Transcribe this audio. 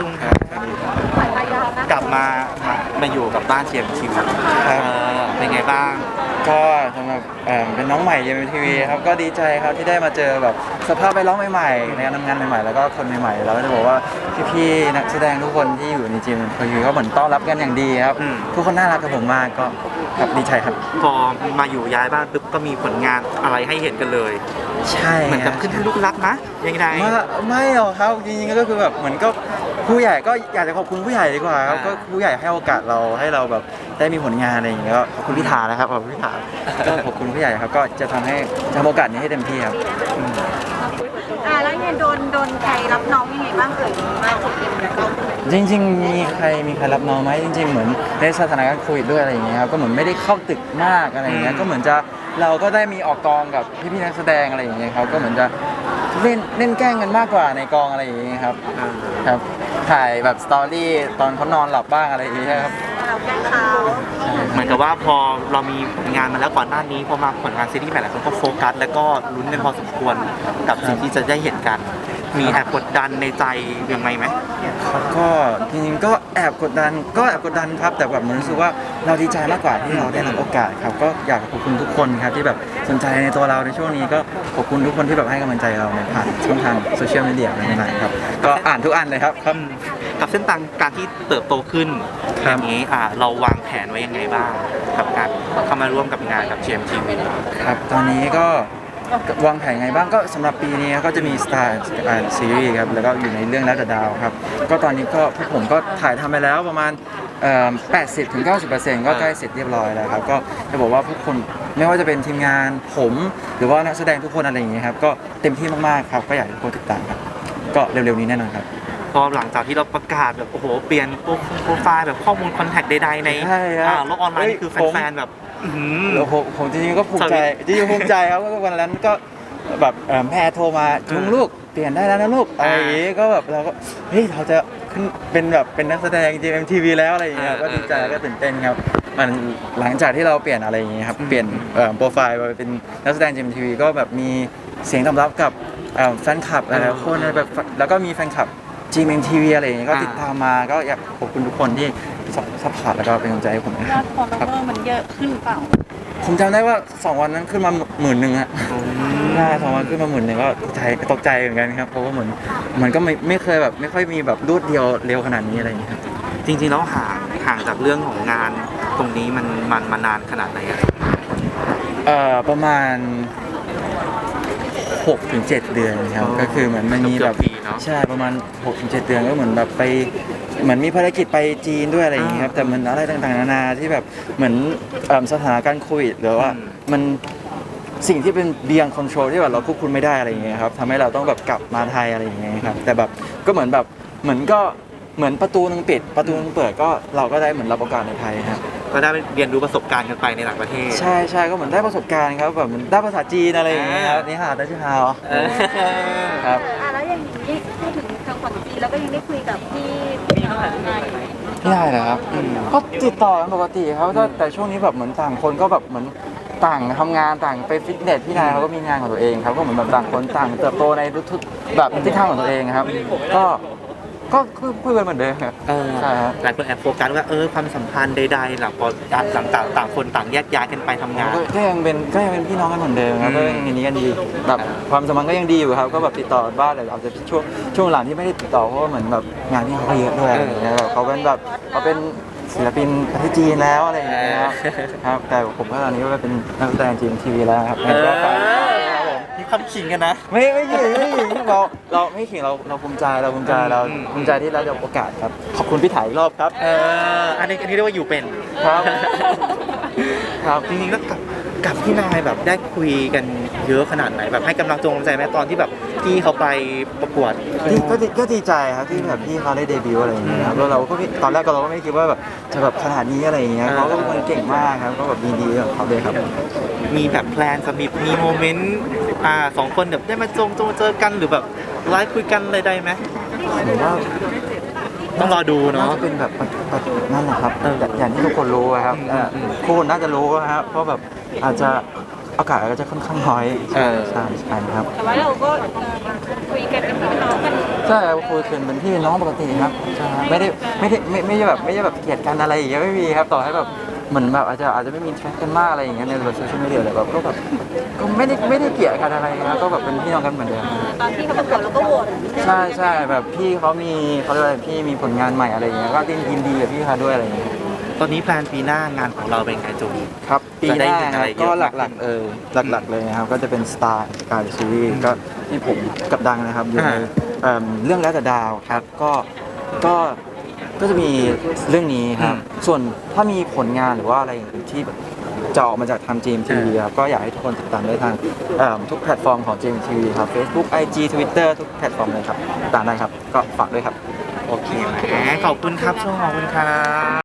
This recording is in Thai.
จุงครับกลับมาอยู่กับบ้านเทียมทีวีเป็นไงบ้างก็สำหรับเป็นน้องใหม่ยังทีวีครับก็ดีใจครับที่ได้มาเจอแบบสภาพแวดล้อมใหม่ๆในการทำงานใหม่ๆแล้วก็คนใหม่ๆแล้วก็จะบอกว่าพี่ๆนักแสดงทุกคนที่อยู่ในทีมทีวีก็เหมือนต้อนรับกันอย่างดีครับทุกคนน่ารักกับผมมากก็ครับดีใจครับพอมาอยู่ย้ายบ้านปุ๊บก็มีผลงานอะไรให้เห็นกันเลยใช่เหมือนกับขึ้นลูกรักนะยังไงไม่หรอกครับจริงๆก็คือแบบเหมือนก็ผู้ใหญ่ก็อยากจะขอบคุณผู้ใหญ่ดีกว่าครับก็ผู้ใหญ่ให้โอกาสเราให้เราแบบได้มีผลงานอะไรอย่างเงี้ยก็ขอบคุณพิธานะครับขอบคุณพิธาก็ขอบคุณผู้ใหญ่ครับก็จะทำโอกาสนี้ให้เต็มที่ครับแล้วเนี่ยโดนใครรับน้องยังไงบ้างเอ่ยมาสุดจริงๆมีใครรับน้องไหมจริงๆเหมือนในสถานการณ์โควิดด้วยอะไรอย่างเงี้ยครับก็เหมือนไม่ได้เข้าตึกมากอะไรอย่างเงี้ยก็เหมือนจะเราก็ได้มีออกกองกับพี่ๆนักแสดงอะไรอย่างเงี้ยครับก็เหมือนจะเล่นแกล้งกันมากกว่าในกองอะไรอย่างเงี้ยครับครับถ่ายแบบสตอรี่ตอนเขานอนหลับบ้างอะไรอย่างเงี้ยครับเราแกล้งเขาเหมือนกับว่าพอเรามีผลงานมาแล้วก่อนหน้านี้พอมาผลงานซีรีส์ใหม่หลายคนก็โฟกัสแล้วก็ลุ้นกันพอสมควรกับสิ่งที่จะได้เห็นกันมีแอบกดดันในใจยังไงไหมก็จริงๆก็แอบกดดันครับแต่แบบมันรู้สึกว่าเราดีใจมากกว่าที่เราได้รับโอกาสครับก็อยากขอบคุณทุกคนครับที่แบบสนใจในตัวเราในช่วงนี้ก็ขอบคุณทุกคนที่แบบให้กำลังใจเราในผ่านช่องทางโซเชียลมีเดียต่างๆครับก็อ่านทุกอันเลยครับกับเส้นทางการที่เติบโตขึ้นอย่างนี้เราวางแผนไว้ยังไงบ้างกับการเข้ามาร่วมกับงานกับ GMTV ครับตอนนี้ก็วางแผนไงบ้างก็สำหรับปีนี้ก็จะมี Star ซีรีส์ครับแล้วก็อยู่ในเรื่องรัตดาวครับก็ตอนนี้ก็พวกผมก็ถ่ายทำไปแล้วประมาณ80-90%ก็ใกล้เสร็จเรียบร้อยแล้วครับก็จะบอกว่าพวกคนไม่ว่าจะเป็นทีมงานผมหรือว่านักแสดงทุกคนอะไรอย่างเงี้ยครับก็เต็มที่มากๆครับก็อยากให้ทุกคนติดตามครับก็เร็วๆนี้แน่นอนครับพอหลังจากที่เราประกาศแบบโอ้โหเปลี่ยนโปรไฟล์แบบข้อมูลคอนแทคใดๆในโลกออนไลน์นี่คือแฟนๆแบบผมจริงๆก็ภูมิใจครับก็วันนั้นก็แบบแม่โทรมาจุงลูกเปลี่ยนได้แล้วนะลูกอะไรอย่างงี้ก็แบบเราก็เฮ้ยเราจะขึ้นเป็นแบบเป็นนักแสดง GMTV แล้วอะไรอย่างเงี้ยก็ดีใจก็ตื่นเต้นครับมันหลังจากที่เราเปลี่ยนอะไรอย่างเงี้ยครับเปลี่ยนโปรไฟล์มาเป็นนักแสดง GMTV ก็แบบมีเสียงตอบรับกับแฟนคลับหลายๆคนแบบแล้วก็มีแฟนคลับ GMTV อะไรอย่างเงี้ยก็ติดตามมาก็อยากขอบคุณทุกคนที่ซัพพอร์ตแล้วก็เป็นกำลังใจให้ผมนะครับยอดฟอลโลเวอร์มันเยอะขึ้นเปล่าผมจำได้ว่า2วันนั้นขึ้นมา10,000ฮะได้2วันขึ้นมา10,000ก็ตกใจเหมือนกันครับเพราะว่าเหมือนมันก็ไม่เคยแบบไม่ค่อยมีแบบรวดเดียวเร็วขนาดนี้อะไรอย่างเงี้ยครับจริงๆแล้วห่างจากเรื่องของงานตรงนี้มันมานานขนาดไหนอะประมาณ6-7 เดือนครับก็คือเหมือนมันมีแบบใช่ประมาณ6-7 เดือนก็เหมือนแบบไปเหมือนมีภารกิจไปจีนด้วยอะไรอย่างเงี้ยครับแต่มันอะไรต่างๆนานาที่แบบเหมือนสถานการณ์โควิดหรือว่ามันสิ่งที่เป็น beyond control ที่แบบเราควบคุมไม่ได้อะไรอย่างเงี้ยครับทำให้เราต้องแบบกลับมาไทยอะไรอย่างเงี้ยครับแต่แบบก็เหมือนแบบเหมือนประตูนึงปิดประตูนึงเปิดก็เราก็ได้เหมือนรับโอกาสในไทยครับก็ได้เรียนรู้ประสบการณ์กันไปในต่างประเทศใช่ก็เหมือนได้ประสบการณ์ครับแบบเหมือนได้ภาษาจีนอะไรอย่างเงี้ยครับนี่ฮะได้ชื่อฮาวครับแล้วอย่างนี้พูดถึงทางฝั่งจีนแล้วก็ยังได้คุยกับพี่นายไหมพี่นายเหรอครับก็ติดต่อกันปกติครับแต่ช่วงนี้แบบเหมือนต่างคนก็แบบเหมือนต่างทำงานต่างไปฟิตเนสพี่นายเขาก็มีงานของตัวเองครับก็เหมือนแบบต่างคนต่างเติบโตในทุกๆแบบทิศทางของตัวเองครับก็คุยกันเหมือนเดิมครับใช่ครับหลายคนแอบโฟกัสว่าความสัมพันธ์ใดๆหลังพอต่างคนต่างแยกย้ายกันไปทำงานก็ยังเป็นพี่น้องกันเหมือนเดิมครับก็ยังอย่างนี้กันดีแบบความสัมพันธ์ก็ยังดีอยู่ครับก็แบบติดต่อบ้างแต่อาจจะช่วงหลังที่ไม่ได้ติดต่อเพราะว่าเหมือนแบบงานที่เขาก็เยอะด้วยอะไรอย่างเงี้ยแบบเขาเป็นศิลปินประเทศจีนแล้วอะไรอย่างเงี้ยครับแต่ผมก็ตอนนี้ก็เป็นนักแสดงGMTVแล้วครับมีคำขิงกันนะไม่ขิงเราไม่ขิงเราภูมิใจที่เราได้โอกาสครับขอบคุณพี่ถ่ายอีกรอบครับอันนี้เรียกว่าอยู่เป็นครับจริงๆแล้วกับพี่นายแบบได้คุยกันเยอะขนาดไหนแบบให้กำลังใจไหมตอนที่แบบพี่เขาไปประกวดก็ดีใจครับที่แบบพี่เขาได้เดบิวต์อะไรอย่างเงี้ยแล้วเราก็ตอนแรกเราก็ไม่คิดว่าแบบจะแบบขนาดนี้อะไรอย่างเงี้ยเขาก็เป็นคนเก่งมากครับก็แบบดีๆกับเขาเลยครับมีแบบแพลนมีโมเมนต์2 คนแบบได้มาเจอกันหรือแบบไลฟ์คุยกันอะไรได้ไหมหรือว่าต้องรอดูเนาะน่าจะเป็นแบบนั่นแหละครับอย่างที่ทุกคนรู้ครับทุกคนน่าจะรู้ครับเพราะแบบอาจจะอากาศก็จะค่อนข้างน้อยใช่ครับแต่ว่าเราก็คุยกันเป็นพี่น้องกันใช่ครับคุยกันเป็นพี่เป็นน้องปกติครับใช่ครับไม่ได้แบบเกลียดกันอะไรอย่างเงี้ยไม่มีครับต่อให้แบบเหมือนแบบอาจจะไม่มีแชทกันมากอะไรอย่างเงี้ยในโซเชียลมีเดียอะไรแบบก็แบบก็ไม่ได้เกลียดกันอะไรครับก็แบบเป็นพี่น้องกันเหมือนเดิมตอนที่เขาประกวดเราก็โหวตใช่แบบพี่เขามีเขาเรียกว่าอะไรพี่มีผลงานใหม่อะไรอย่างเงี้ยก็ยินดีกับพี่เขาด้วยอะไรอย่างเงี้ยตอนนี้แพลนปีหน้างานของเราเป็นไงจูนครับปีหน้าจะได้เห็นคอะรับไรเยอะก็มากขึ้นหลักๆเลยนะครับก็จะเป็นสตาร์การซีรีส์ก็ที่ผมกับดังนะครับอยู่ในเรื่องแล้วแต่ดาวครับก็จะมีเรื่องนี้ครับส่วนถ้ามีผลงานหรือว่าอะไรอย่างอื่นที่แบบจะออกมาจากทาง GMTV ครับก็อยากให้ทุกคนติดตามได้ทางทุกแพลตฟอร์มของ GMTV ครับ Facebook IG Twitter ทุกแพลตฟอร์มเลยครับติดตามได้ครับก็ฝากด้วยครับโอเคแหมขอบคุณครับช่วงขอบคุณครับ